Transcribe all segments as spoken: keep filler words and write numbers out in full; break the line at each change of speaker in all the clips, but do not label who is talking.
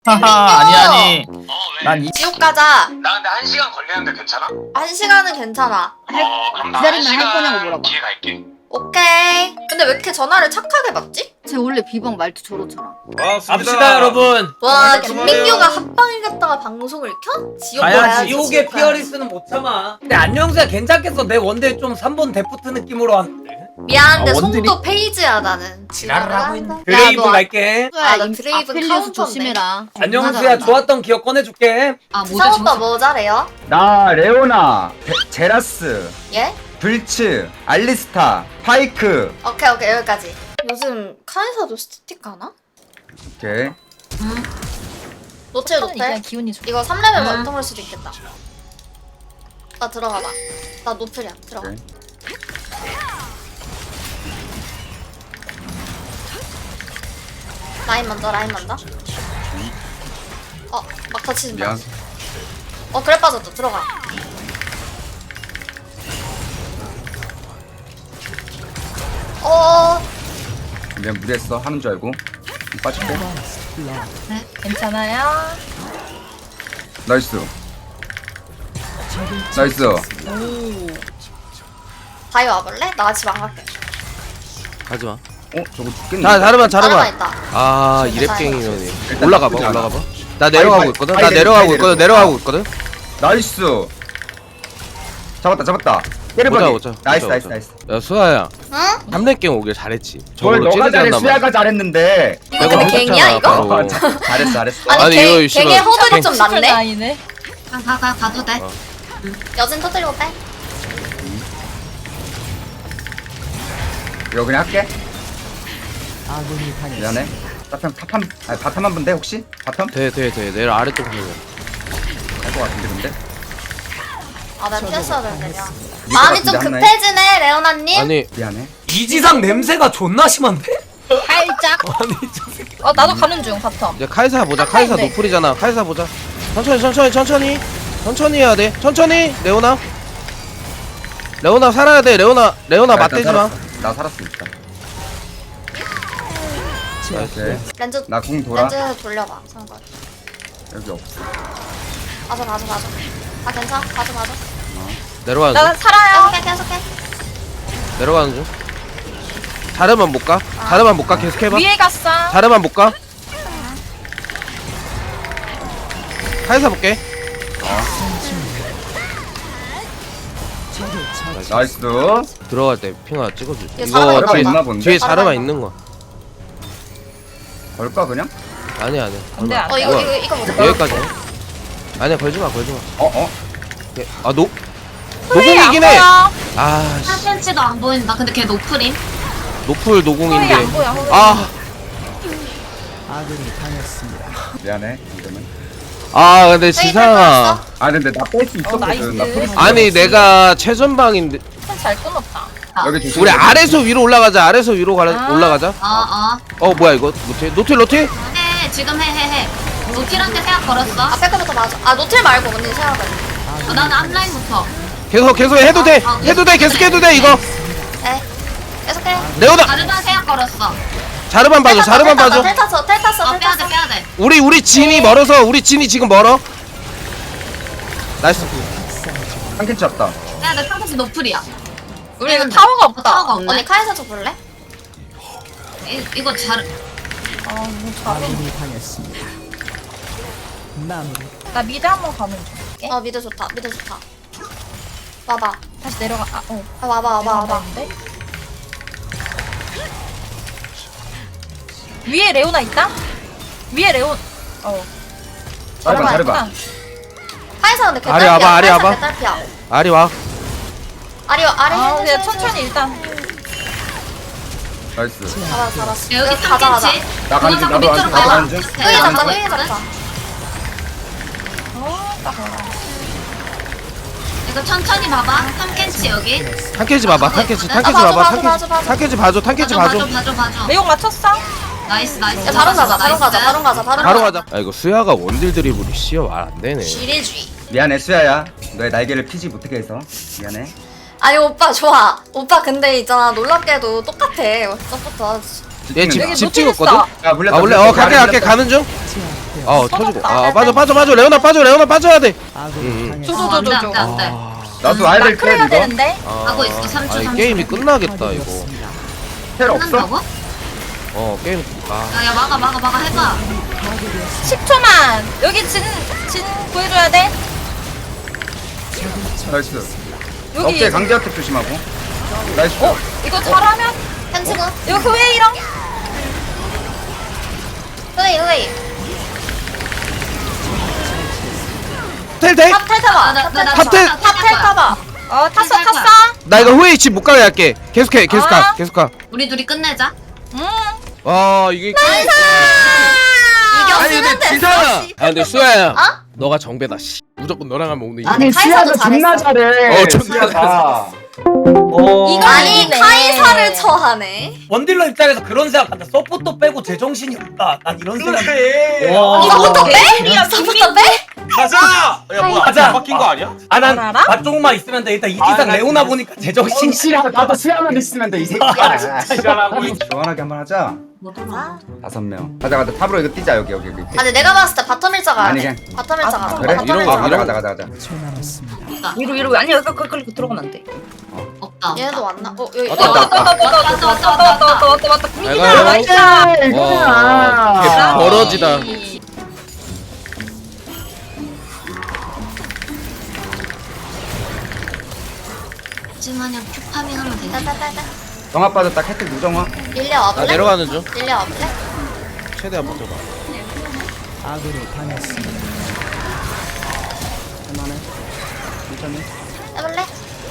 하하 아니 아니
어 왜?
난 이...
지옥 가자.
나 근데 한 시간 걸리는데 괜찮아?
한 시간은 괜찮아.
어 그럼 나 한
기다리면 할 거냐고
시간
물어봐.
뒤에 갈게.
오케이. 근데 왜 이렇게 전화를 착하게 받지?
쟤 원래 비방 말투 저렇잖아.
갑시다 여러분.
와,
아,
김민규가 합방을 갔다가 방송을 켜? 지옥
가야지.
가야지.
지옥의
지옥 가야지.
피어리스는 못 참아. 근데 안녕수야 괜찮겠어. 내 원딜 좀 삼 번 데프트 느낌으로 왔는데.
미안한데
아, 원딜이-
손도 페이지야 나는.
지랄을 하고 있네.
야,
드레이브
너
갈게.
아, 나
임-
드레이븐
아펠리우스
카운터인데.
조심해라.
안녕수야 좋았던 기억 꺼내줄게.
아
지상 오빠 뭐 잘해요?
나 레오나, 베, 제라스,
예?
불츠, 알리스타, 파이크.
오케이 오케이 여기까지. 요즘 카이사도 스티커 하나?
오케이.
노틸 노틸.
기운이 좋.
이거 삼 레벨
아.
원통할 수도 있겠다. 나 들어가봐. 나 노플이야. 들어가.
오케이.
라인 먼저 라인 먼저. 어, 막 다치지 마.
미안.
어, 그래 빠졌다. 들어가. 어,
미안 무리했어. 하는 줄 알고. 빠질게.
네, 괜찮아요.
나이스. 나이스.
다이 와볼래? 나 집 안 갈게.
가지마.
어 저거 죽겠네.
자, 자르반,
자르반
자르반.
있다.
아,
진짜
이랩갱이면이.
일단
올라가봐,
나쁘지 않아.
올라가봐. 나 내려가고
바이,
있거든.
바이
나
내려,
내려가고
바이
있거든.
내려.
내려가고 있거든.
나이스. 잡았다 잡았다. 때려버리.
보자, 보자.
나이스
보자,
나이스
보자.
나이스.
야, 수아야.
응?
삼렙갱 오길 잘했지.
뭘
저걸로
너가 잘해
찌르지
수야가 잘했는데.
이거 근데 갱이야 이거?
바로.
어, 자, 잘했어 잘했어.
아니,
아니,
갱,
이거
갱의
씨발
허들이 좀
슈퍼
낮네?
라인을.
가, 가, 가, 가도 돼.
어.
여진 터뜨리고 빼.
이거 그냥 할게. 미안해. 탑한 탑한 아니 바텀 한 분데 혹시? 바텀?
돼, 돼, 돼. 내려 아래쪽 보면.
할 것 같은데 근데.
아, 나 피했어야 되는데. 미안.
이거
마음이 좀
같은데,
급해지네, 레오나님.
아니,
미안해.
이지상 냄새가 존나 심한데?
살짝.
아니 저 새끼.
어 나도 가는 중 바텀.
이제 카이사 보자. 카이사
네.
노플이잖아. 카이사 보자. 천천히, 천천히, 천천히. 천천히 해야 돼. 천천히. 레오나. 레오나 살아야 돼. 레오나. 레오나
나 일단
맞대지 마.
살았어. 나 살았으니까. 오케이.
렌즈,
나 궁 돌아.
렌즈 돌려봐. 상관.
여기 없어.
맞아, 맞아, 맞아. 아, 괜찮아. 맞아, 맞아.
내려가는
나
중.
살아요.
계속해, 계속해.
내려가는 중. 자르만 못 가. 자르만 못 가. 계속 해봐.
위에 갔어.
자르만 못 가. 카이사 볼게.
나이스.
들어갈 때 핑아 찍어줘.
이게 자르반
이거 뒤에,
있나 본데?
뒤에
자르반
자르만
있나?
있는 거.
걸까 그냥?
아니야 아니야.
안 돼,
얼마.
안
어,
돼.
이거,
뭐야?
이거, 이거 보자.
여기까지. 아니야 걸지 마 걸지 마.
어 어.
오케이. 아 노. 노공이긴 해. 아 씨.
사 센치도 안 보인다. 근데 걔 노프림.
노플
허리
노공인데.
안 보여. 허리.
아.
미안해. 이러면.
아 근데
페이지
지상아.
뺐어?
아 근데 나 뺄 수 있었거든.
나이스.
나 프리스.
아니 내가 최전방인데.
잘 끊었다.
여기 조심.
우리 아래서 위로 올라가자. 아래서 위로 가라,
아.
올라가자.
어, 어.
어 뭐야 이거 노틸 노틸 노틸?
해, 지금 해, 해, 해. 노틸한테 생각 걸었어.
앞에 거부터 맞아. 아, 노틸 말고 언니 생각해.
어, 나는 앞라인부터.
계속 계속 해도 돼.
아, 아,
해도 돼. 계속 해도 돼 이거.
네. 계속해.
레오나
다르반 생각 걸었어.
자르만 봐줘. 자르만 봐줘.
텔 탔어, 텔 탔어,
어,
텔
빼야돼,
탔어.
빼야돼.
우리 우리 진이 멀어서 우리 진이 지금 멀어. 나이스.
한 캔치 왔다.
빼야돼, 평소시 노플이야.
우리 이거 타워가 없다.
타워가 없네.
언니 카이사 좀 볼래?
이, 이거 잘.
아, 뭐 잘해. 나 미드 한번 가는 중.
어, 미드 좋다, 미드 좋다. 와봐.
다시 내려가. 아, 어.
아, 와봐, 와봐, 와봐.
내려가는데? 위에 레오나 있다? 위에 레온. 어.
자르반 자르반.
있구나.
카이사 근데
아리
개딸피야.
와봐, 아리
카이사
와봐.
개딸피야.
아리 와.
아리, 아리
아,
해줘,
그냥
해줘.
천천히 일단.
나이스.
잘하, 잘했어.
여기
가자, 가자.
삼 캔치.
나 가는 중,
누가
나도
자꾸
가는 중, 나도 가는 중.
밑으로
끄이
가봐.
잡자,
네,
끄이 잡자.
어, 딱.
이거 천천히 봐봐. 삼 캔치 여기.
탄캐지 봐봐. 탄캐지
아,
탄캐지
봐줘,
봐봐.
봐줘, 봐줘, 봐줘.
탄캐지 봐줘. 탄캐지
봐줘,
봐줘.
봐줘, 봐줘, 봐줘.
내용 맞췄어?
나이스, 나이스.
야, 바로 가자, 바로
나이스.
가자, 바로 가자, 바로
바로 가자. 아 이거 수야가 원딜 드리블이 씨어 말 안 되네.
지뢰주의.
미안해 수야야. 너의 날개를 피지 못하게 해서 미안해.
아니, 오빠, 좋아. 오빠, 근데 있잖아, 놀랍게도 똑같아. 첫부터.
얘 집
여기
집
노틸
찍었거든.
있어.
야 물렸다.
아 원래 어
물렸다.
갈게 갈게
물렸다.
가는 중. 어 터지고. 아
네,
빠져
네.
빠져 빠져 레오나 빠져 레오나 빠져야 돼. 응.
어, 안돼 안돼 안돼.
나도 와야 될
마크를
텔
해야
이거.
되는데.
하고 있어. 삼 초
아, 이
삼 초.
게임이 끝나겠다 이거.
텔 없어?
끝난다고?
어 게임. 아
야야 막아 막아 막아 해봐.
십 초만. 여기 진, 진 구해줘야 돼.
나이스.
여기.
어깨 강제 어택 조심하고. 나이스.
어? 이거 잘하면?
펜치고.
이거 후웨이랑?
흐이 흐이.
텔 돼?
탑 탈 타봐.
나나나
탑텔!
탑탈 타봐. 어 탔어
탈 거야.
탔어.
나 이거 후웨이 집 못 가게 할게. 계속해 계속 가
아.
계속 가.
우리 둘이 끝내자.
응.
아 이게. 아니
이겼으면
근데
됐어.
지상아. 아 근데 수야야.
어?
너가 정배다. 씨. 무조건 너랑 하면 오늘 이겨.
아니, 카이사도 존나
잘해.
어, 존나
수야가.
어.
이거
아니
이기네.
카이사를 처하네.
원딜러 입장에서 그런 생각한다. 서포터 빼고 제정신이 없다. 난 이런 생각.
그래.
와.
이거부터 빼?
에이리야,
이거부터 빼?
가자. 야 뭐야?
가자.
바뀐 거 아니야?
아난
알아?
맛조금만 있으면 돼. 일단 이기상
아, 나
레오나 보니까 제정신이.
싫어. 나도 수야만 있으면 돼 이 새끼야.
지랄하고 있-
시원하게 한번 하자.
뭐 돌아.
다섯 명. 가자 가자. 탑으로 이거 뛰자 여기 여기 여기.
아니 내가 봤을 때 바텀 일자가
아니,
아니
그냥-
바텀 일자가
아,
그래?
바텀
이런
일자가.
거,
가자
이런
가자 가자 가자.
없다.
위로 위로 아니 여기 그 그 들어가면 안 돼.
없다.
얘네도 왔나? 어 여기
왔다,
어,
왔다.
왔다 왔다 왔다 왔다
왔다 왔다
왔다.
왔다 왔다.
아이고,
민기야 나이스.
와.
아.
개 버러지다.
하지만 큐 파밍하면 되겠다.
따따따따.
정합 빠졌다. 캐틀 무정화.
릴리아
나
와볼래?
내려가는 중.
릴리아 와볼래?
최대한 버텨봐.
해볼래?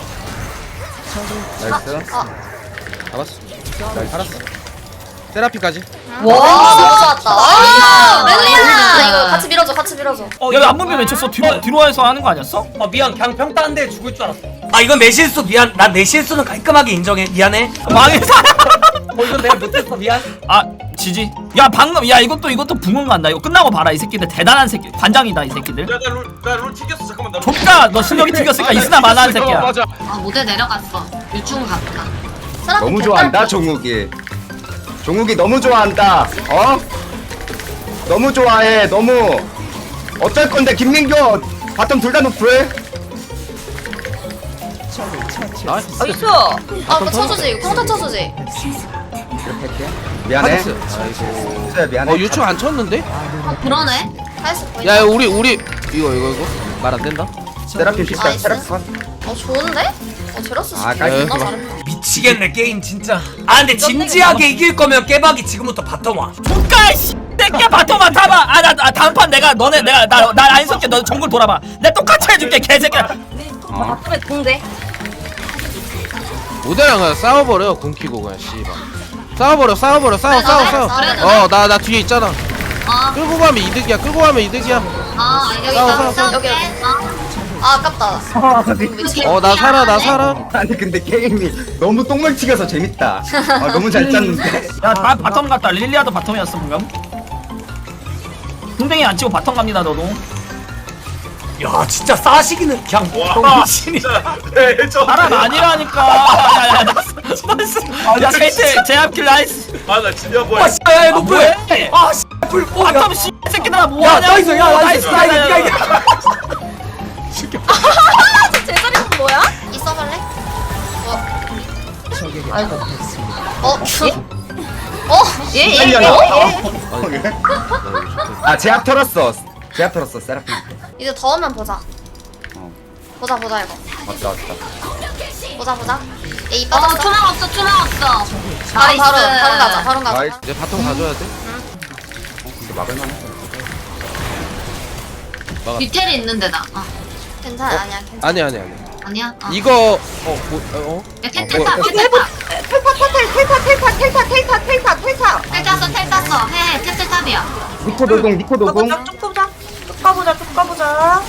나이스.
어.
알았어. 알았어. 세라피까지.
와 너무 좋았다. 아, 릴리아 이거 같이 밀어줘 같이 밀어줘.
어,
야왜 안무비 외쳤어? 뒤로 뒤로 와서 하는 거 아니었어?
어 미안. 그냥 평타한데 죽을 줄 알았어. 아 이건 내 실수 미안. 난 내 실수는 깔끔하게 인정해. 미안해.
망해서.
어 이건 내가 못했어. 미안.
아 지지. 야 방금 야 이것도 이것도 붕어 간다. 이거 끝나고 봐라 이 새끼들 대단한 새끼. 관장이다 이 새끼들.
야나룰나룰 튀겼어. 잠깐만 나.
족가 너 실력이 튀겼으니까 있으나 마나한 새끼야.
맞아.
아 모델 내려갔어. 유충 갔다.
세라피
너무
개딸피.
좋아한다 종욱이. 종욱이 너무 좋아한다. 어? 너무 좋아해. 너무. 어쩔 건데 김민규 바텀 둘 다 노플.
나이스.
아 그거 쳐주지 콩타 쳐주지.
이렇게 할게. 미안해.
하데스. 아이고.
수야 미안해.
어 유충 안 쳤는데?
어 그러네.
할수 있고.
야 우리 우리 이거 이거 이거 말 안 된다.
세라핀 픽사
나이스.
세라핀 컷.
어 좋은데? 어 제라스
아,
존나
깔끔하다.
잘했다.
미치겠네 게임 진짜. 아 근데 진지하게 이길 거면 깨박이 지금부터 바텀 와.
족가 씨. 새끼야 바텀만 타봐. 아나 아, 다음 판 내가 너네 내가 나나 안석게 너 정글 돌아봐. 내가 똑같이 해줄게 개새끼야.
어.
바텀에 공대.
모델랑 그냥 싸워버려 군키고 그냥 씨발. 싸워버려 싸워버려 싸워
그래,
싸워
그래,
싸워.
그래,
그래.
어 나 나 뒤에 있잖아.
아
끌고 가면 이득이야 끌고 가면 이득이야.
아 여기
싸워,
싸워
싸워,
여기, 여기.
아
아 아깝다.
어 나 살아 나 살아.
아니 근데 게임이 너무 똥물 튀겨서 재밌다. 아, 너무 잘 짰는데.
야다 바텀 갔다. 릴리아도 바텀이었어 방금. 궁뎅이 안 치고 바텀 갑니다 너도.
야 진짜 싸시기는 그냥
와.
정신이.
레전.
사람 아니라니까. 야야 나이스. 야 제이트 제압킬 나이스.
아나 진짜 뭐야?
와 씨야 야
아,
노플.
뭐해?
아 씨. 불 뭐야?
바텀 씨 새끼들아
야
뭐하냐고.
나이스 야 나이스 야 이거 야 이거.
제자리는 뭐야?
있어볼래? 어.
아이고.
어? 어?
예예 예. 예.
아 제압 털었어. 제압 털었어 세라핀.
이제 더우면 보자.
어.
보자 보자 이거.
왔다 왔다.
보자 보자. 에이
어
빠졌어.
투명 없어 투명 없어.
바로 바로
나이스.
바로 가자 바로 가자.
나이스.
이제 바텀 가져야 돼.
근데 막을만해.
디테일이 있는데 나. 아
괜찮아 아니야 괜찮아.
아니 아니 아니.
아니야. 아.
이거 어 뭐, 어?
야, 텔
뭐,
탔다.
뭐,
텔 탔다.
텔타 텔타 텔타 텔타 텔타 텔타 텔타.
텔 탔어 텔 탔어. 해 텔 탑이야.
니코 노공 니코 노공.
가보자 쭉 가보자. 쭉 가보자 쭉 가보자.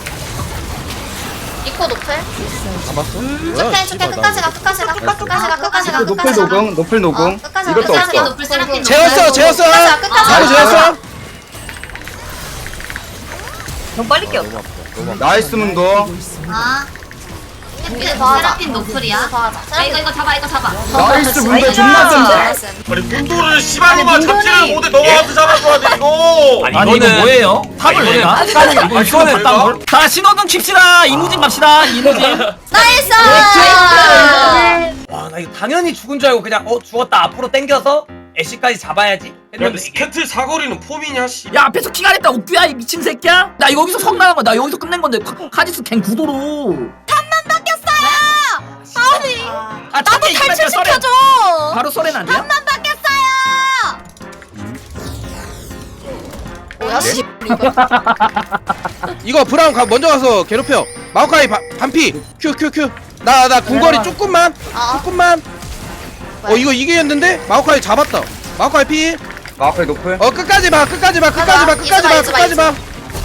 이코 노플.
잡았어?
쭉해 쭉해 끝까지 가 끝까지 가 끝까지 가 끝까지 가
노플
끝까지 가.
노공 노플 노공.
어, 끝까지 가,
이것도
끝까지
세라핀
가.
없어.
노플 세라핀 노플.
재웠어 재웠어.
끝까지 가 끝까지
바로
가.
재웠어.
너무 빨리 끼어.
너무 아프다. 너무 아프다.
나이스 문도.
아
이제 더 하자.
세라핀 노플이야.
더 하자.
야, 이거 이거 잡아 이거 잡아.
나이스 문제 존나 센데.
나이스.
아니 문도를 씨발로만
아니, 문도는-
잡지를 못해 너한테 잡아줘야 돼 이거.
아니,
아니 이거
이거는-
뭐예요? 탑을
이거는
내가?
탑을-
이거
이거는
이거는
내가?
딴 걸? 자 신호등 칩시다. 이무진 갑시다. 이무진.
나이스.
와 나 이거 당연히 죽은 줄 알고 그냥 어 죽었다 앞으로 당겨서 애쉬까지 잡아야지
야
했는데 이게
스케틀 사거리는 폼이냐 씨.
야 앞에서 키가 됐다 옥규야 이 미친 새끼야. 나 여기서 성 나간 거야. 나 여기서 끝낸 건데 카- 카지스 갱 구도로.
아니.
아 나도
탈출시켜줘.
바로 썰엔 안 돼요?
뭐야 씨.
이거 브라운 가, 먼저 가서 괴롭혀. 마오카이 바, 반피. 큐 큐 큐. 나 나 궁거리 조금만.
아.
조금만. 어 이거 이기겠는데? 마오카이 잡았다. 마오카이 피.
마우카이 높을.
어 끝까지 봐. 끝까지 봐. 끝까지 봐. 끝까지 봐.
이즈마,
끝까지
이즈마,
봐.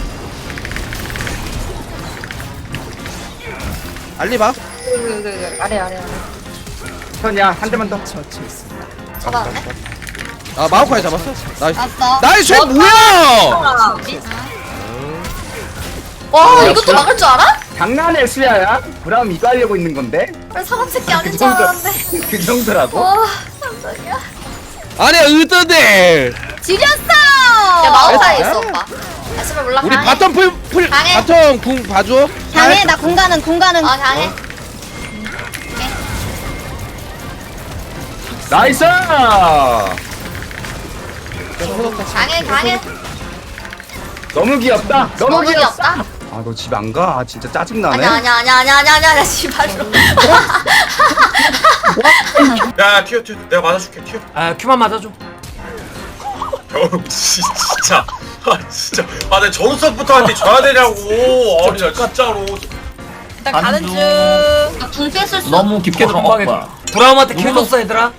알리 봐.
아래 아래 아래.
선이야 한 대만 더.
잡았네.
아 마오카이 잡았어. 나이스.
났어.
나이스. 쟤 뭐야?
와 이것도 막을 줄 알아?
장난해 수야야. 브라움 이거 하려고 있는 건데.
왜 사람 새끼 아닌
그
줄
정도.
알았는데.
그 정도라고?
와 깜짝이야.
아니야 의도들.
지렸어. 야 마오카이
진짜?
있어 오빠. 아 씨발 몰라.
우리
강해.
바텀 풀 풀.
강해.
바텀 궁 봐줘.
강해 나 공간은 공간은.
어 강해.
나이스.
강해 강해.
너무 귀엽다. 너무,
너무
귀엽다.
귀엽다.
아 너 집 안 가? 아 진짜 짜증 나네.
아니야 아니야 아니야 아니야 아니야 아니야 씨발로.
야 튀어 튀어 내가 맞아줄게 튀어.
아 큐만 맞아줘
형 진짜 아 진짜 아내 전수부터 한테 줘야 되냐고. 아니 나 진짜로.
일단 가는
중.
중.
나궁 뺐을 수.
너무 깊게 들어간
방에
거야.
브라움한테 킬 줬어 얘들아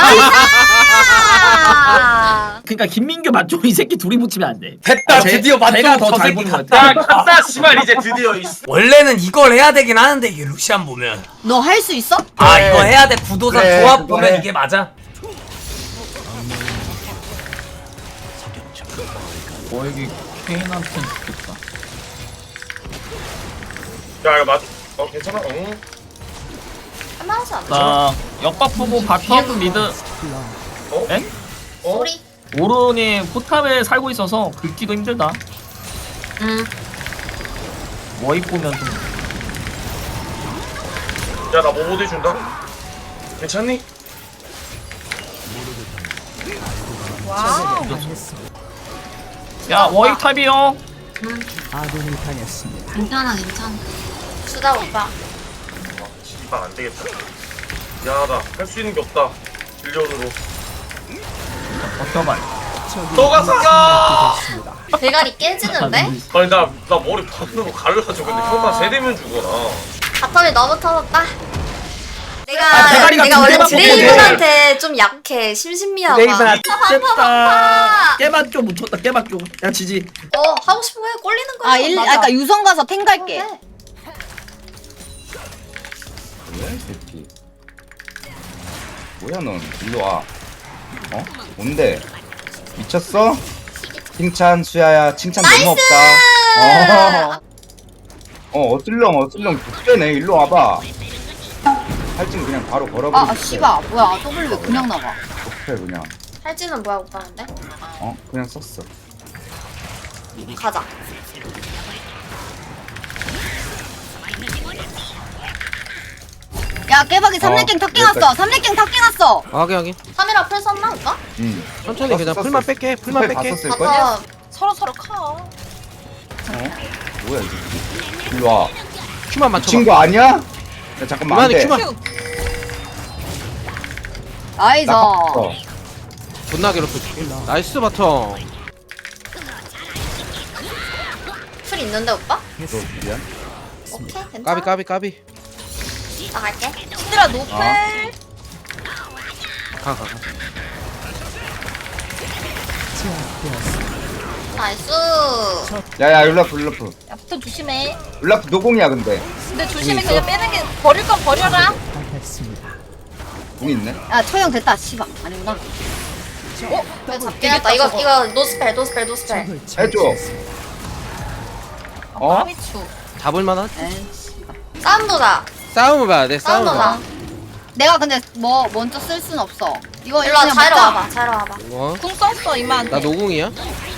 아.
그러니까 김민규 맞죠? 이 새끼 둘이 붙이면 안 돼.
됐다
제-
드디어 맞죠
제가 더
저
잘
새끼
보는 것
갔다.
야 갔다 씨발 이제 드디어 이
원래는 이걸 해야 되긴 하는데 이게 루시안 보면
너 할 수 있어?
아
그래.
이거 해야 돼 구도상
그래,
조합
그거
보면
해.
이게 맞아
어 여기 케인한테 좋겠다.
야 이거 맞. 어 괜찮아. 응.
할만하지 않아?
나 역박 보고 바텀 미드.
어?
에?
어?
소리.
오른이 포탑에 살고 있어서 긁기도 힘들다.
응.
워입 보면 좀.
야나 뭐 못 해준다. 괜찮니?
와우.
야 워입 탑이요.
괜찮아 괜찮아.
수다 오빠.
아 안 되겠다. 미안하다. 할 수 있는 게 없다. 빌려으로.
버텨봐.
너가 사가.
대가리 깨지는데?
아니 나 나 머리 반으로 갈라져. 근데 형만 세대면 죽어라.
바텀이 너무 터졌다. 내가
아, 대가리가
내가
두
원래
개만
드레이븐한테 좀 약해. 심신미하고.
레이븐아 됐다. 깨만 좀 묻혔다. 깨만 좀. 야 지지.
어 하고 싶은 거 해. 꼴리는 거야.
아 일,
맞아.
아까 유성 가서 탱 갈게.
해.
뭐야 이 새끼. 뭐야 넌 일로 와. 어? 뭔데? 미쳤어? 칭찬 수야야 칭찬 너무 없다. 어. 어 어슬렁 어슬렁 독대네. 일로 와봐. 할증 그냥 바로 걸어버리고.
아, 아 씨발 뭐야 W 왜 그냥 나가?
독해 그냥.
할지는 뭐야 오빠는데?
어 그냥 썼어.
가자.
야 깨박이 삼렙갱
어,
탑갱 왔어. 삼렙갱 탑갱 왔어.
아, 확인 확인.
삼 일아 풀 썼나 오빠?
응.
천천히 그냥 풀만 뺄게. 풀만
스펠 다
뺄게.
썼을 걸?
바텀.
서로 서로 커.
어? 뭐야 이 새끼. 일로 와.
큐만 맞춰.
미친 거 아니야? 야 잠깐만 안
그만해
돼.
큐만.
나이스.
나 어.
존나 괴롭혀. 나이스 바텀.
풀 있는데 오빠?
너 미안.
오케이 괜찮아.
까비 까비 까비.
나 갈게.
신드라 노플.
가 가 가.
나이스.
야야 율라프 율라프.
야 붙어 조심해.
율라프 노공이야 근데.
근데 조심해 그냥 빼는 게 버릴 건 버려라.
공 있네.
야 처형 됐다. 씨발 아니구나.
이거 잡겠다. 이거 이거 노스펠 노스펠 노스펠.
해줘. 어?
미추.
잡을 만한?
에이.
싸움 보자.
싸움을 봐야 돼.
싸움
싸움을 봐.
보자.
내가 근데 뭐 먼저 쓸 순 없어. 이거
일로 와,
그냥
자이로
먹자.
와봐. 자이로 와봐.
어?
궁 썼어 이마한테.
나 노궁이야.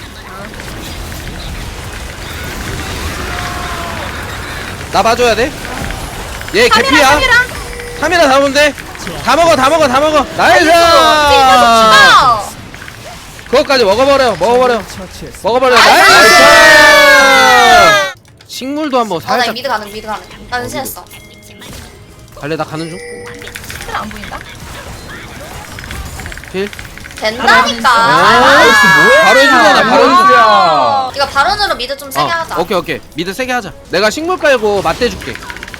나 봐줘야 돼. 얘 개피야.
카미라.
카메라 잡으면 돼. 다 먹어, 다 먹어, 다 먹어. 나이스.
죽어.
그것까지 먹어버려, 먹어버려, 먹어버려. 나이스. 식물도 한번
아, 나
살짝.
미드 가능, 미드 가능. 나 은신했어.
갈래, 나 가는 중.
안 보인다.
필.
된다니까.
나이스. 바로 해주잖아, 바로 해주잖아.
야
이거 바론으로 미드 좀 세게
어,
하자.
오케이, 오케이. 미드 세게 하자. 내가 식물 깔고 맞대줄게.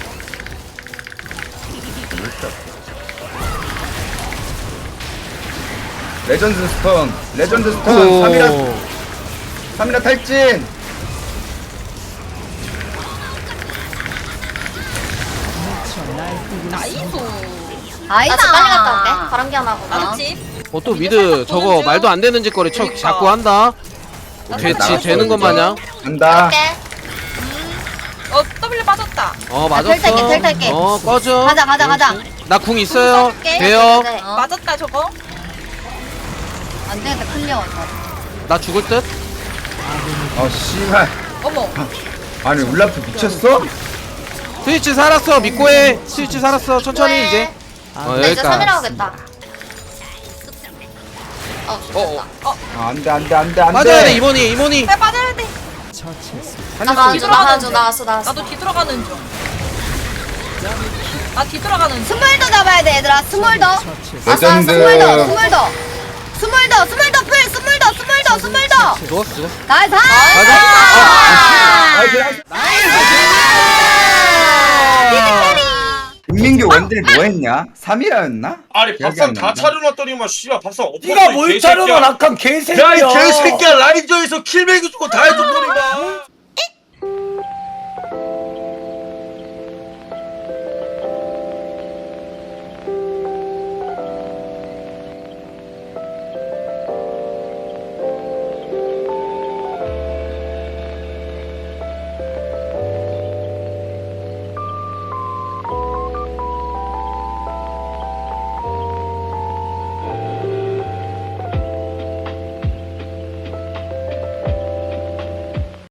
레전드 스톤 레전드 스톤
오.
삼이라 삼이라 탈진.
나이스.
나
아이다.
집 빨리 갔다 올게. 바람기 하나 하고.
나도 집.
어, 또 미드 저거 말도 안 되는 짓거리 쳐
그러니까.
자꾸 한다.
나
되,
살짝
지, 되는 것 마냥.
간다.
갈게.
어 W 빠졌다.
어,
텔
맞았어.
탈게, 텔 탈게.
어, 꺼져.
가자 가자 가자.
나 궁 있어요.
쏠게.
돼요.
네.
어. 맞았다 저거. 안 되겠다 클리어.
나 죽을 듯.
어 씨발.
어머.
아니 울라프 미쳤어?
스위치 살았어. 믿고 해. 스위치 살았어. 천천히 이제. 어,
나 이제 삼이라
여기까지.
하겠다. 어, 죽겠다.
아, 안돼 안돼 안돼 안돼.
맞아야 돼, 이모니, 이모니.
왜 빠져야 돼?
나 가는 중, 나
뒤돌아가는
가는 중,
중.
나왔어, 나왔어.
나도 뒤돌아가는 중. 나 뒤돌아가는 중. 스몰더 잡아야 돼 얘들아. 스몰더.
레전드.
스몰더. 스몰더. 스몰더. 스몰더 풀. 스몰더. 스몰더. 스몰더.
죽었어, 죽었어.
나이스.
가자.
김민규 원딜 뭐 했냐? 삼이라였나?
아니
기억이
밥상
안
다
난다.
차려놨더니만 씨발 밥상 엎었어.
네가
이
뭘
개새끼야.
차려놔 낙한 개새끼야.
야이 개새끼야 라인저에서 킬 매겨주고 다 해줬더니만.